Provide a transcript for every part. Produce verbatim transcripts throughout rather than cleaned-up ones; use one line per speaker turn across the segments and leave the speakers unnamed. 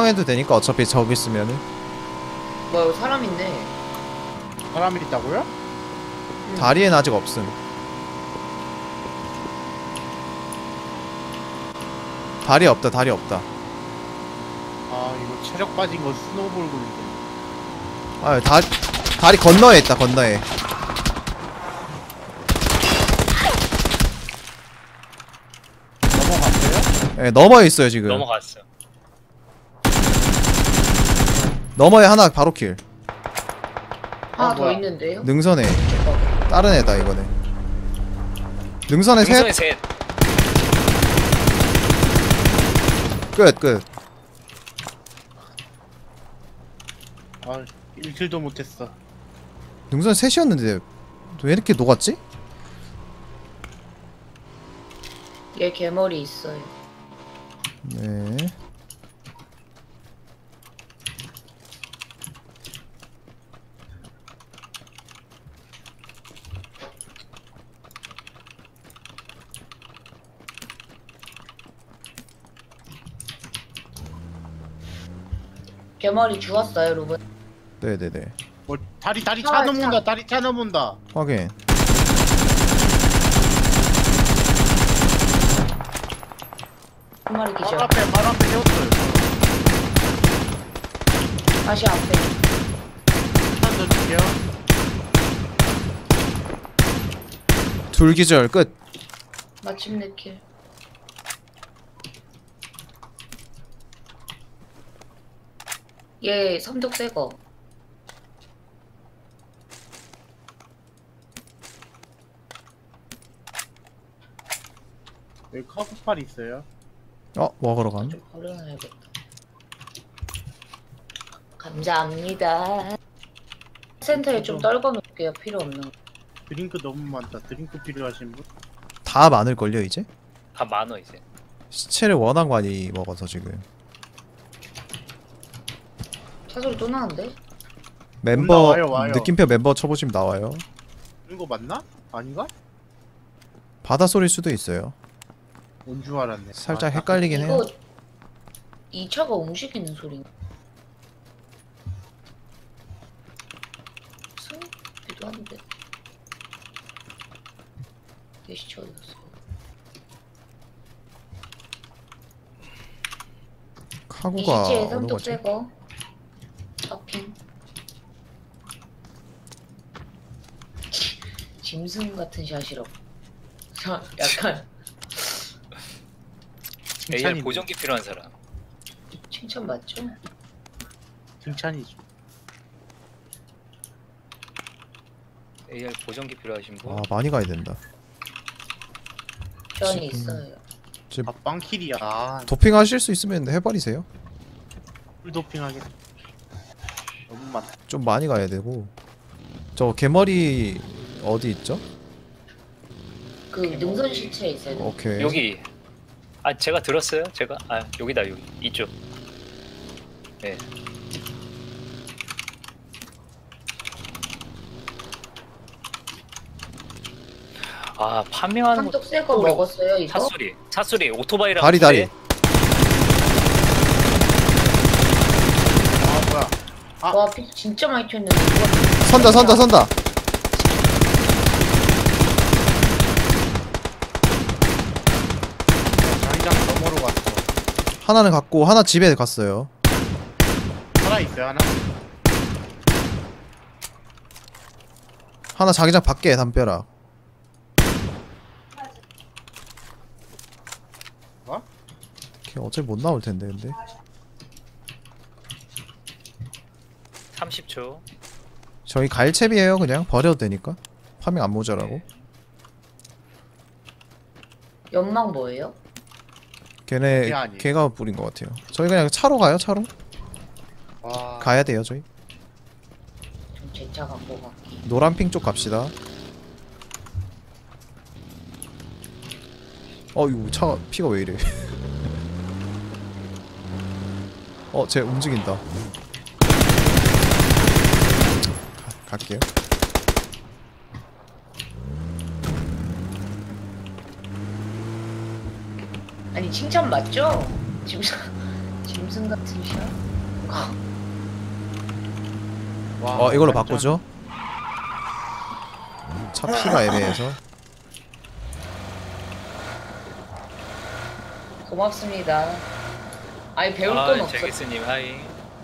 수정해도 되니까 어차피 저기 있으면은.
뭐 여기 사람 있네.
사람이 있다고요?
응.
다리엔 아직 없음. 다리 없다 다리 없다.
아 이거 체력 빠진 거 스노우볼 굴리네.
아 다, 다리 건너에 있다 건너에.
넘어갔어요?
예, 너머에 있어요 지금.
넘어갔어.
너머에 하나 바로 킬.
하나
어,
더
뭐야.
있는데요?
능선에 다른 애다 이거네. 능선에
능선에
셋.
셋.
끝 끝.
아 일 킬도 못했어.
능선 셋이었는데 왜 이렇게 녹았지?
얘 개머리 있어요.
네.
개머리 죽었어요, 로봇.
네네네.
뭐 다리 다리
아,
차 넘는다.
차.
다리 차 넘는다.
확인.
한 마리
바로
기절.
앞에 바로 앞에 세웠어요.
다시 앞에.
일단 던질게요.
둘 기절 끝.
마침내 킬. 얘 삼독 새거.
여기 카프팔 있어요.
어 먹으러 간.
좀 버려놔야겠다. 감사합니다. 센터에 좀 떨궈 놓을게요. 필요 없는 거.
드링크 너무 많다. 드링크 필요하신 분?
다 많을걸요 이제?
다 많어 이제.
시체를 워낙 많이 먹어서 지금.
차 소리 또 나는데?
멤버
나와요, 와요.
느낌표 멤버 쳐보시면 나와요.
이거 맞나? 아닌가?
바다 소리일 수도 있어요.
온 줄 알았네.
살짝
아,
헷갈리긴 해요.
이거 이 차가 움직이는 소리인가? 승기도 한데. 게시처 어디갔어? 이
카구가
시체에
어느
삼독
거지?
새거. 파핑. 짐승 같은 샷이라고. 자, 약간
에이알
칭찬이
보정기 필요한 사람.
칭찬 맞죠?
칭찬이죠.
에이알 보정기 필요하신 분.
아 많이 가야 된다.
전이
지금-
있어요.
아 빵킬이야. 아,
도핑 하실 수 있으면 해버리세요.
풀도핑 하겠다. 너무 많다.
좀 많이 가야 되고. 저 개머리 어디 있죠?
그 능선 시체에 있어요.
오케이.
여기. 아 제가 들었어요. 제가 아 여기다 여기 이쪽. 네. 아 판매하는 거.
삼독 새거 먹었어요 이거?
차소리 차소리 오토바이랑.
다리 다리.
아 뭐야? 아.
와 피 진짜 많이 튀었는데 이거
선다 선다 선다.
장장 너머로 갔어.
하나는 갔고 하나 집에 갔어요.
살아 있어요 하나?
하나 자기장 밖에 담벼락.
뭐?
걔 어차피 못 나올 텐데 근데.
삼십 초.
저희 갈채비에요 그냥 버려도 되니까. 파밍 안 모자라고.
연막 뭐예요?
걔네
걔 아니에요.
걔가 뿌린 것 같아요. 저희 그냥 차로 가요 차로.
와.
가야 돼요 저희.
좀 제 차 갖고 갈게.
노란핑 쪽 갑시다. 어 이거 차 피가 왜 이래? 어 쟤 움직인다. 가, 갈게요.
아니 칭찬 맞죠? 지금 짐승 같은 샷?
와,
어 이걸로
완전-
바꾸죠. 차 피가 애매해서.
고맙습니다. 아니 배울
아,
건 없어.
제기스님 하이.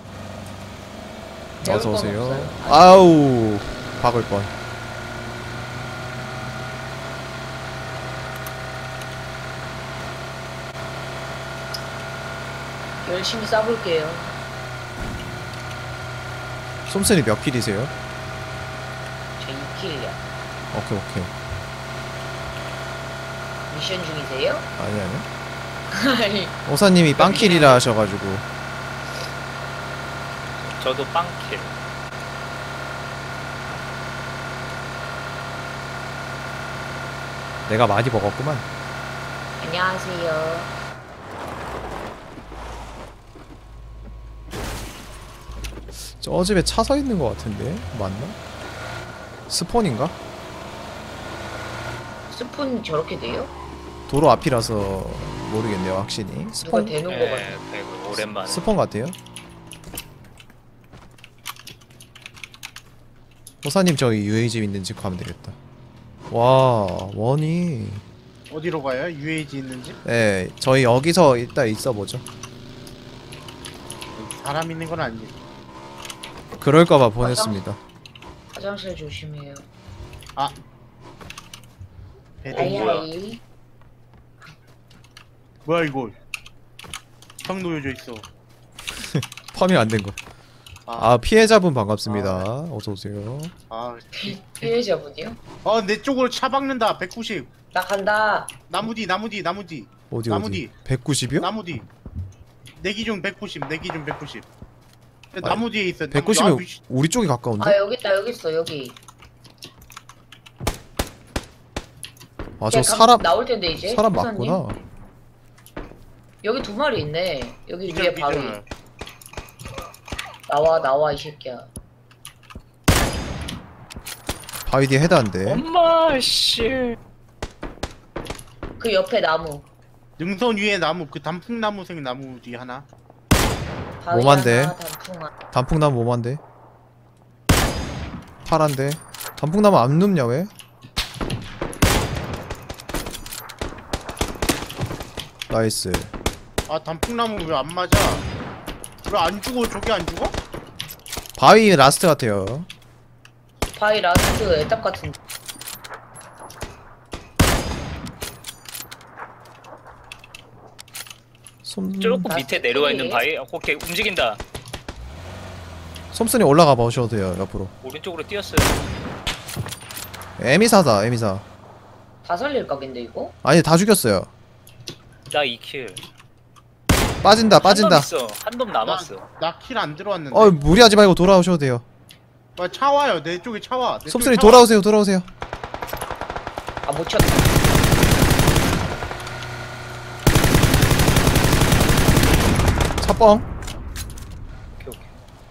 배울
어서
건
오세요.
없어요.
아우 박을 뻔.
열심히 싸볼게요.
솜슨이 몇 킬이세요?
저 이 킬이야.
오케이 오케이.
미션 중이세요?
아니 아니.
아니
오사님이 빵킬이라 하셔가지고.
저도 빵킬.
내가 많이 먹었구만.
안녕하세요.
저 집에 차 서 있는 것 같은데 맞나? 스폰인가?
스푼 저렇게 돼요?
도로 앞이라서 모르겠네요 확실히.
누가
스폰
되는 거
네,
같아.
배그 오랜만에.
스폰 같아요. 호사님 저기 유에이 집 있는 집 가면 되겠다. 와 원이.
어디로 가요? 유에이지 있는 집?
네 저희 여기서 이따 있어 보죠.
사람 있는 건 아니지.
그럴까봐 보냈습니다.
화장실 조심해요.
아. 배낭 뭐야?
아이아이.
뭐야 이거? 형 놓여져 있어.
파밍 안 된 거.
아,
아 피해자분 반갑습니다. 어서 오세요.
아,
피해자분이요?
어, 내 쪽으로 차 박는다. 백구십.
나 간다.
나무 뒤, 나무 뒤, 나무 뒤,
어디
나무
어디?
뒤.
백구십이요?
나무 뒤. 내 기준 백구십, 내 기준 백구십.
아니,
나무 뒤에 있어. 나무- 아,
백구십이면
위씨.
우리 쪽이 가까운데?
아 여기 있다 여기 있어 여기.
아 저
걔 감-
사람
나올 텐데 이제.
사람
호사님.
맞구나.
여기 두 마리 있네. 여기
기절,
위에 바위.
기절.
나와 나와 이 새끼야.
바위 뒤에 헤드한데.
엄마 씨.
그 옆에 나무.
능선 위에 나무, 그 단풍나무색 나무 뒤 하나.
바위
오만데.
하나 단풍 하나.
단풍나무 오만데. 파란데. 단풍나무 안 눕냐 왜? 나이스.
아, 단풍나무 왜 안 맞아? 왜 안 죽어? 저게 안 죽어?
바위 라스트 같아요.
바위 라스트 애답 같은.
솜
조금
아,
밑에 내려와 있는
저기.
바위. 어, 오케이 움직인다.
솜순이 올라가 보셔도 돼요 옆으로.
오른쪽으로 뛰었어요.
에미사다 에미사.
다 살릴 각인데 이거?
아니 다 죽였어요.
나 이 킬.
빠진다 빠진다.
한놈 있어. 한 놈 남았어.
나 킬 안 들어왔는데.
어 무리하지 말고 돌아오셔도 돼요.
아, 차 와요. 내 쪽에 차 와. 내
솜순이
쪽에 차 와.
돌아오세요 돌아오세요.
아 못 쳤다.
차뻥.
오케이 오케이.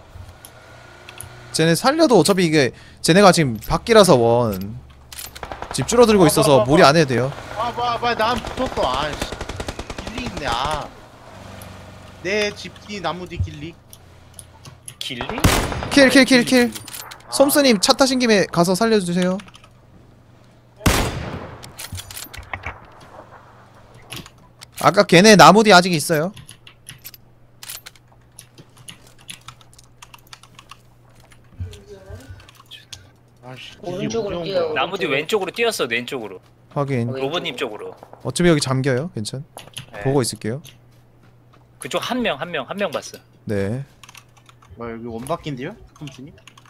쟤네 살려도 어차피 이게 쟤네가 지금 밖이라서 원. 집 줄어들고
아,
있어서
봐, 봐,
무리
봐.
안 해도 돼요.
아, 봐, 봐, 난 붙었어. 아, 씨. 길리 있네. 아. 내 집 뒤 나무 뒤 길리.
길리?
킬 킬 킬 킬.
아.
솜스님 차 타신 김에 가서 살려주세요. 아까 걔네 나무 뒤 아직 있어요.
아씨.
오른쪽으로 뛰어요.
나무 뒤 왼쪽으로 뛰었어. 왼쪽으로.
확인.
어,
로봇님 쪽으로.
어차피 여기 잠겨요. 괜찮.
네.
보고 있을게요.
그쪽 한 명 한 명 한 명 봤어.
네.
뭐 여기 원바퀴인데요? 솜순이?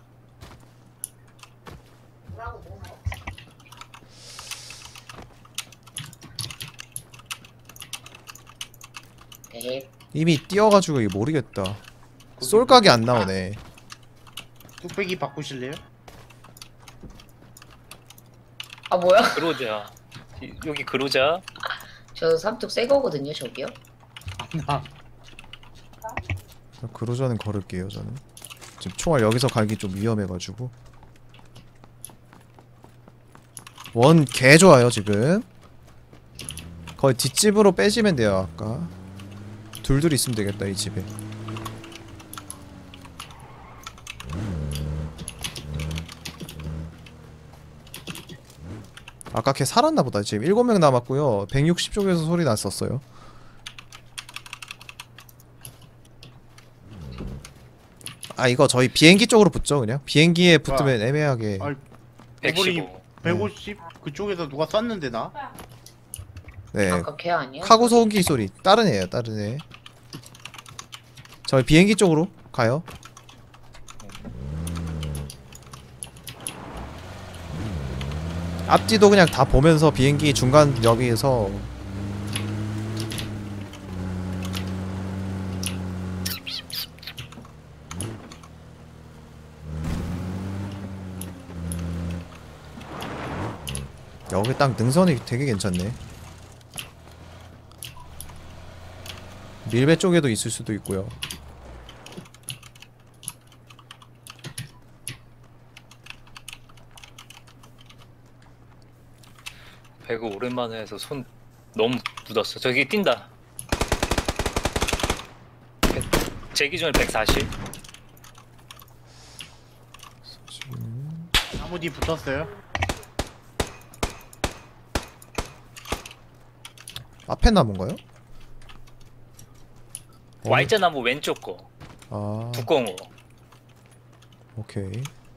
네.
이미 뛰어가지고 이게 모르겠다. 쏠각이 안 나오네.
뚝배기 바꾸실래요?
아 뭐야?
그로자. 이- 여기 그로자.
저 삼뚝 새 거거든요 저기요.
나
그로자는 걸을게요 저는. 지금 총알 여기서 갈기 좀 위험해가지고. 원 개 좋아요 지금. 거의 뒷집으로 빼시면 돼요 아까. 둘둘 있으면 되겠다 이 집에. 아까 걔 살았나보다. 지금 일곱 명 남았고요. 백육십 쪽에서 소리 났었어요. 아 이거 저희 비행기 쪽으로 붙죠 그냥. 비행기에 붙으면 애매하게.
아이,
백십오.
백오십 그쪽에서 누가 쐈는데 나?
네.
아까 걔 아니야?
카고 소음기 소리. 다른 애예요 다른 애. 저희 비행기 쪽으로 가요. 앞뒤도 그냥 다 보면서 비행기 중간 여기에서 여기 딱 능선이 되게 괜찮네. 밀배 쪽에도 있을 수도 있고요.
배그 오랜만에 해서 손 너무 묻었어. 저기 뛴다. 제 기준에 백사십.
나무 뒤 붙었어요.
앞에 나무인가요? 어,
Y자 나무 왼쪽 거.
아
두꺼운 거.
오케이.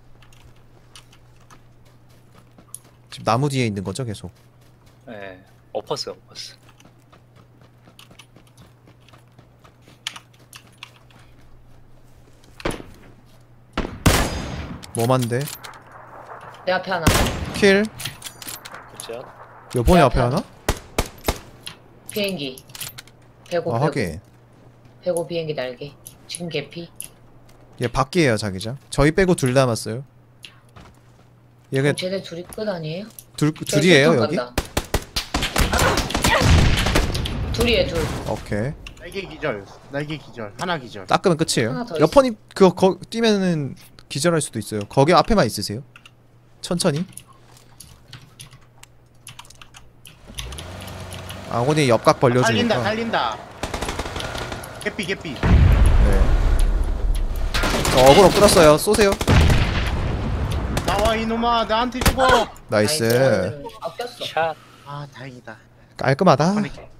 지금 나무 뒤에 있는 거죠 계속.
예. 엎었어, 엎었어.
뭐만데?
내 앞에 하나.
킬.
그죠?
요번에
내
앞에
앞에
하나?
비행기. 배고
아
배고.
하긴.
배고 비행기 날개. 지금 개피.
얘 밖이에요 자기장. 저희 빼고 둘 남았어요. 얘가
어, 쟤네 둘이 끝 아니에요?
둘
저기
둘이에요
술탄
여기?
간다. 둘이에요 둘.
오케이.
날개 기절. 날개 기절. 하나 기절.
닦으면 끝이에요.
하나 더
옆번이 그거 거, 뛰면은 기절할 수도 있어요. 거기 앞에만 있으세요. 천천히. 아군이 옆각
살린다
벌려주니까.
살린다. 개피 개피.
네. 저 어그로 끌었어요. 쏘세요.
나와 이놈아 나한테 죽어.
나이스.
아꼈어.
샷.
아 다행이다.
깔끔하다.
보낼게.